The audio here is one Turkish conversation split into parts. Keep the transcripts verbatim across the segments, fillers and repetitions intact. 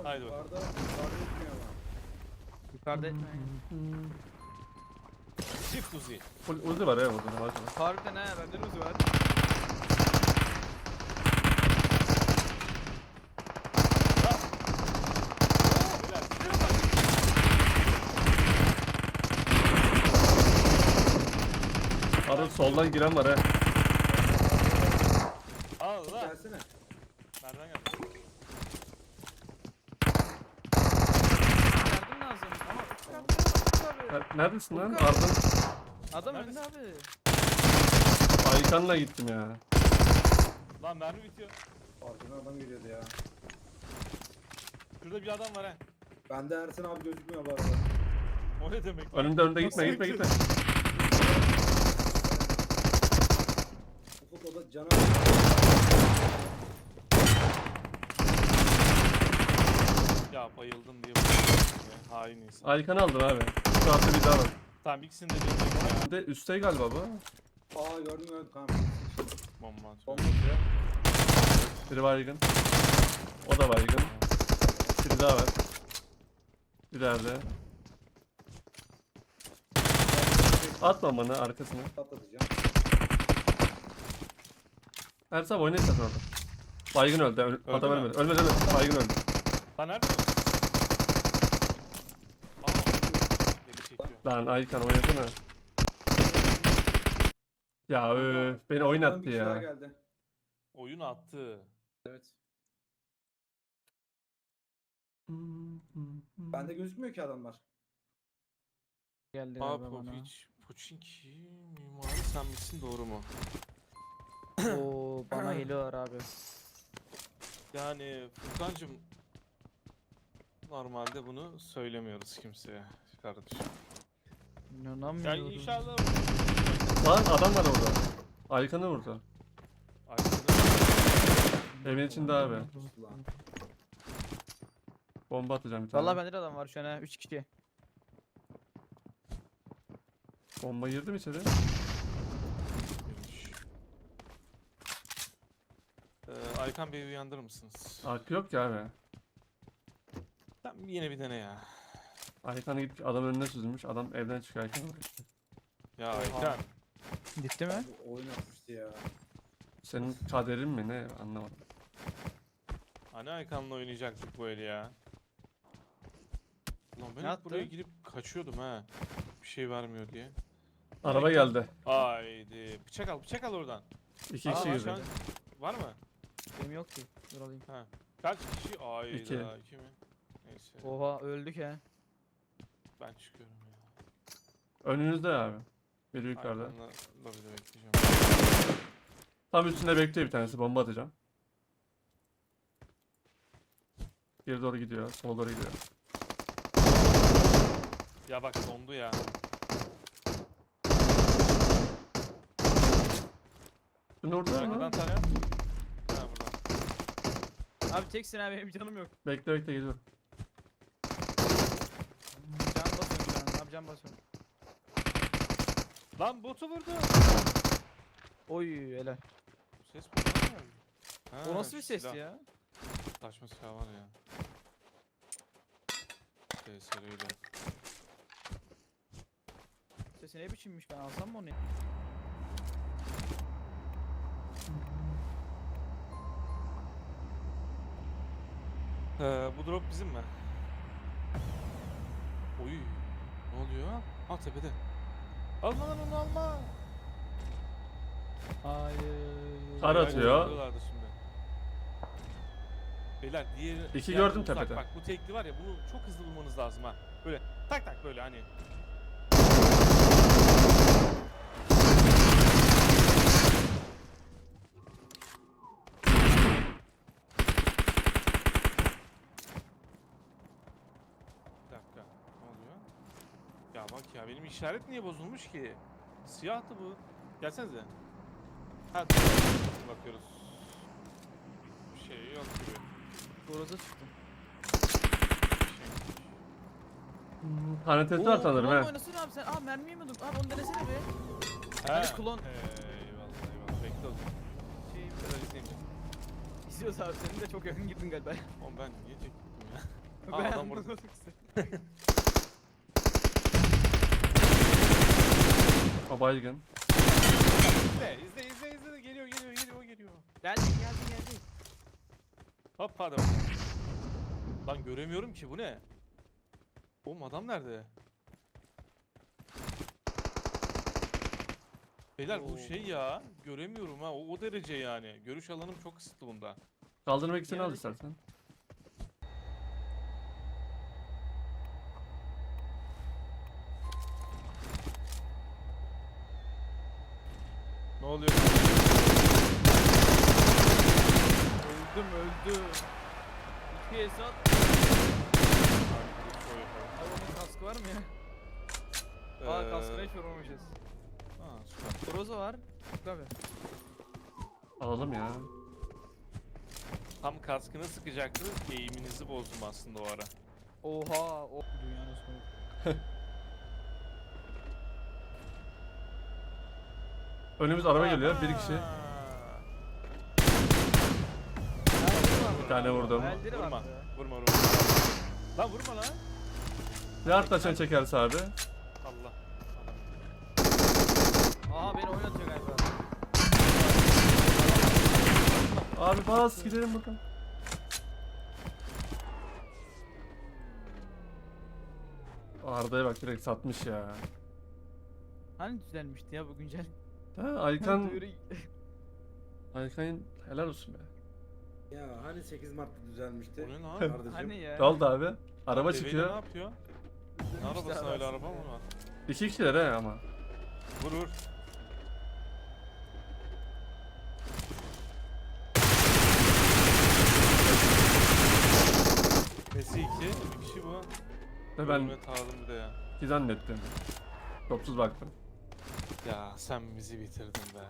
Haydi bakalım. Yukarıda, yukarıda etmiyor ama. Yukarıda etmeyin. Çift Uzi. Full Uzi var ya burada. Maşallah. Harbiden he bende de uzu var. Arada soldan giren var ha. Allah. Gelsene. Nereden geldi? Yardım lazım ama çıkardım abi. Ha, Neredesin lan? Furkan. Ardın. Adam Neredesin? önde abi. Aykan'la gittim ya. Lan mermi bitiyor. Arkadan adam geliyordu ya. Şurada bir adam var ha. Bende Ersin abi gözükmüyor bu arada. O ne demek lan? Önümde önümde gitme gitme gitme. Ufuk o da cana. Ya bayıldım diye bayıldım ya. Hain insan. Aykan aldın abi. Şu hafta bir daha var. Tamam ikisini de dönüyorum. Bir de üstte galiba bu. Aa gördüm gördüm kanka. Bomba atıyor. Bomba atıyor. Biri baygın. O da baygın. Biri daha var. İleride. Atma bana arkasına. Patlatacağım. Her sabah oynayın zaten orada. Baygın öldü. Öl Öldü adam mü? ölmedi. Ölmedi ölmedi. Baygın öldü. Lan nerede? Aa. Beni çekiyor. Lan Aykan oynasana. Ya öf, beni Arkadan oynattı bir kişi daha ya. geldi. Oyun attı. Evet. Bende gözükmüyor ki adamlar. Geldi Aa galiba bana. Popiç. Pochinki mimari sen misin doğru mu? Oo bana geliyorlar abi. Yani Furkancığım normalde bunu söylemiyoruz kimseye kardeşim. İnanamıyorum. Yani inşallah Lan adam var orada. Aykan'ı vurdu. arkada Evin içinde abi. Ulan. Bomba atacağım bir tane. Vallahi bende de adam var şu an ha üç kişi. Bomba girdi mi içeri? girmiş. Ee, Aykan Bey'i uyandırır mısınız? Arka yok ki abi. Sen yine bir dene ya. Aykan'a gidip adamın önüne süzülmüş. Adam evden çıkıyor Aykan'a. Ya Aykan. Gitti mi? Bu oyun atmıştı ya. Senin kaderin mi ne anlamadım. Hani Aykan'la oynayacaktık bu eli ya. Lan ben Ne hep attı? buraya gidip kaçıyordum ha. Bir şey vermiyor diye. Araba geldi. Haydi. Bıçak al, bıçak al oradan. İki Aa, kişi var girdi. şu an- Var mı? Benim yok ki. Dur alayım. Ha. Kaç kişi? Ayda İki. iki mi? Neyse. Oha öldük he. Ben çıkıyorum ya. Önünüzde abi. Biri yukarıda. Aykan'la lobide bekleyeceğim. Tam üstünde bekliyor bir tanesi. Bomba atacağım. Geri doğru gidiyor. Sola doğru gidiyor. Ya bak dondu ya. Şunu vurdular Arkadan mı? tanıyor. Ha buradan. Abi teksin abi benim canım yok. Bekle bekle geliyorum. Can basıyorum şu an. Abi can basıyorum. Lan botu vurdu. Oy helal. Bu ses buradan mı geldi? Ha, O nasıl bir ses silah. ya? Saçma silah var ya. T S R ile. Sesi ne biçimmiş ben alsam mı onu? ya? Ee, bu drop bizim mi? Oy. Ne oluyor? Ha tepede. Alma lan onu alma. Hayır. Kar Beyler, atıyor. vuruyorlardı şimdi. Beyler diğeri... İki diğer gördüm uzak. tepede. Bak bu tekli var ya bunu çok hızlı bulmanız lazım ha. Böyle tak tak böyle hani. Bir dakika. Ne oluyor? Ya bak ya benim işaret niye bozulmuş ki? Siyahtı bu. Gelsenize. Ha dur. Bakıyoruz. Bir şey yok gibi. Boraza çıktım. Bir şey. Tanetesi var sanırım klon he. oynasın abi sen. Aa mermi yemedim. Abi onu denesene be. Ha. Hani klon. Eyvallah eyvallah. Bekle o zaman. Şey, Biraz izleyeyim. izliyoruz abi senin de çok yakın girdin galiba. Oğlum ben niye çektim ya? Aa, Ben adam burada. anlamadım ki. O baygın. İzle izle izle izle. Geliyor geliyor geliyor geliyor. Geldi geldi geldi. Hop hadi. Lan göremiyorum ki, bu ne? Oğlum adam nerede? Beyler bu Oo. şey ya, göremiyorum ha, o, o derece yani. Görüş alanım çok kısıtlı bunda. Kaldırmak için al Yanındaki- istersen. Ne oluyor? Öldüm öldüm. İki Esat. Abi onun kaskı var mı ya? Aa kaskına hiç vurmamışız. Ha, süper. Groza var. Tabii. Alalım ya. Tam kaskını sıkacaktı, eğiminizi bozdum aslında o ara. Oha o dünyanın sonu. Önümüz araba geliyor. Bir kişi. Bir tane vurdum. Hayalleri Vurma, vardı. vurma, vurma. Lan vurma lan. Ne artlaşan çekerse abi. Allah. Aha beni oynatıyor galiba. Abi bas gidelim bakalım. Arda'ya bak direkt satmış ya. Hani düzelmişti ya bu güncel. Ha Aykan, Duyuru- Aykan helal olsun be. Ya hani sekiz Mart'ta düzelmişti. O ne lan? Kardeşim. Hani ya. Ne oldu abi? Araba Lan deveyle çıkıyor. Ne yapıyor? Ne Düzelmişti arabası abi öyle aslında araba ya. mı var? İki kişiler he ama. Vur vur. Nesi iki? Bir kişi bu. Ve ben Ölüme tağladım bir de ya. iki zannettim. Topsuz baktım. Ya sen bizi bitirdin be.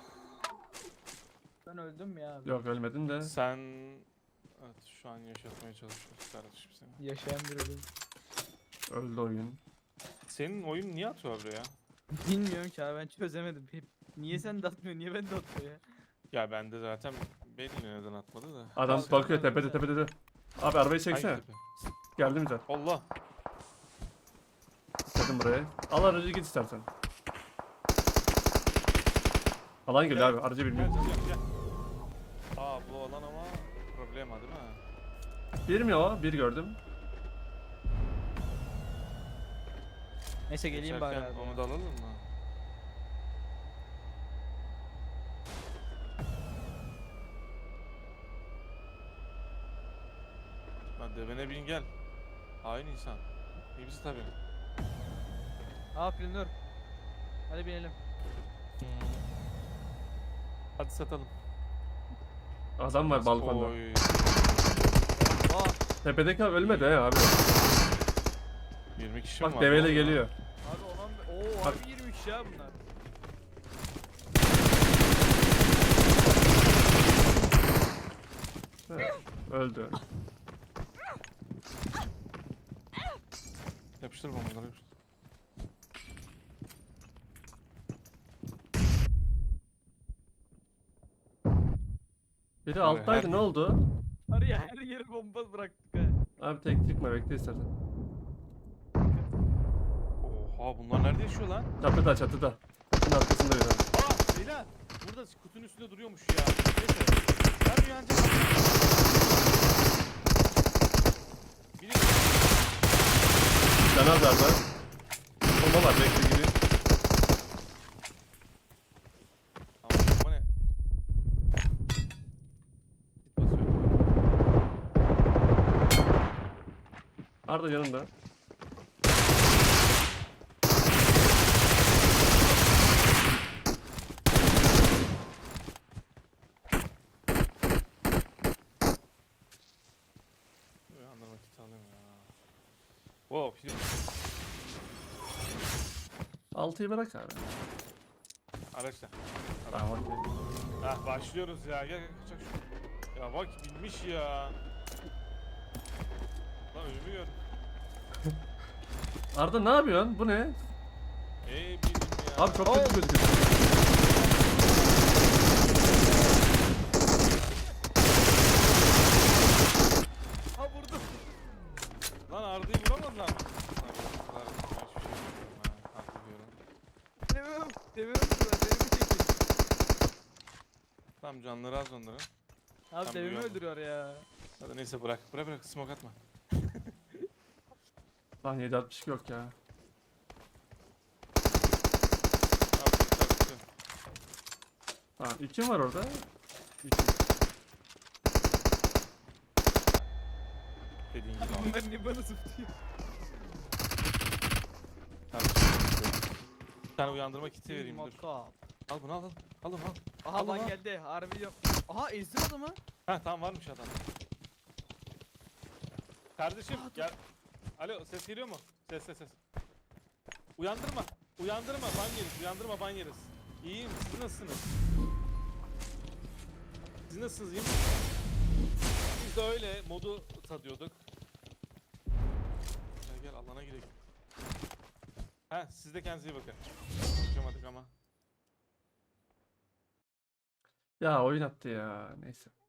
Ben öldüm ya abi. Yok ölmedin de. Sen... Evet, şu an yaşatmaya çalışıyoruz kardeşim seni. Yaşayan bir ölüm. Öldü oyun. Senin oyun niye atıyor buraya? Bilmiyorum ki abi ben çözemedim. Hep niye sen de atmıyor niye ben de atmıyor ya. Ya bende zaten belli neden atmadı da. Adam Kalkan bakıyor nerede tepede sen? tepede de. Abi arabayı Hangi çeksene. tepe? Geldi mi zaten? Allah! Dedim buraya. Al aracı git istersen. Alan geliyor abi. Aracı Gel bilmiyorum. gel gel. Aa bu alan ama problem ha değil mi? Bir mi o? Bir gördüm. Neyse geleyim bari Geçerken abi. onu da alalım mı? Lan devene bin gel. Hain insan. İyi bizi tabii. Aa Flinör. Hadi binelim. Hadi satalım. Adam var balkonda. Oy. Aa Tepedeki abi ölmedi he abi. yirmi kişi mi Bak var? deveyle Ne oluyor? geliyor. abi olan ooo Bak. harbi yirmi ya bunlar. Evet, öldü. Yapıştır bombaları yapıştır. Biri Abi, alttaydı her- ne oldu? Var ya her yere bomba bıraktık ha. Abi tek çıkma bekle istersen. Oha bunlar nerede yaşıyor lan? Çatıda çatıda. Kutunun arkasında bir tane. Aa beyler! Burada kutunun üstünde duruyormuş ya. Neyse. Ben uyanacağım. Biliyorum. Caner nerede? Bomba var bekle gibi. Tamam bomba ne? Git basıyorum. Arda yanında. Uyandım vakit alayım ya. Wow, film. Altıyı bırak abi. Araçla. Tamam okey. Hah başlıyoruz ya. Gel gel kaçak şu. Ya bak bilmiş ya. Lan önümü gör. Arda ne yapıyorsun? Bu ne? Ey bilim ya. Abi çok kötü gözüküyor. Ha vurdum. Lan. Lan bu kadar hiçbir şey bilmiyorum ha. Haklı diyorum. Demiyorum. Demiyorum da devimi çekin. Tamam canları az onların. Abi Tam devimi duyuyor mu? öldürüyor ya. Hadi neyse bırak. Bırak bırak smoke atma. Lan yedi altmış iki yok ya. Abi çarptı. Tamam iki var orada. İki. Dediğin gibi abi. Bunlar niye bana zıplıyor? Tamam. Bir tane uyandırma kiti vereyim dur. Makap. Al bunu al al. Al onu al. Aha Allah lan Allah. geldi. Harbi yok. Aha ezdim adamı. Ha tamam varmış adam. Kardeşim gel. Alo ses geliyor mu? Ses ses ses. Uyandırma. Uyandırma ban yeriz. Uyandırma ban yeriz. İyiyim. Siz nasılsınız? Siz nasılsınız? İyi misiniz? Biz de öyle modu tadıyorduk. Gel gel alana girelim. Ha siz de kendinize iyi bakın. Konuşamadık ama. Ya oyun attı ya. Neyse.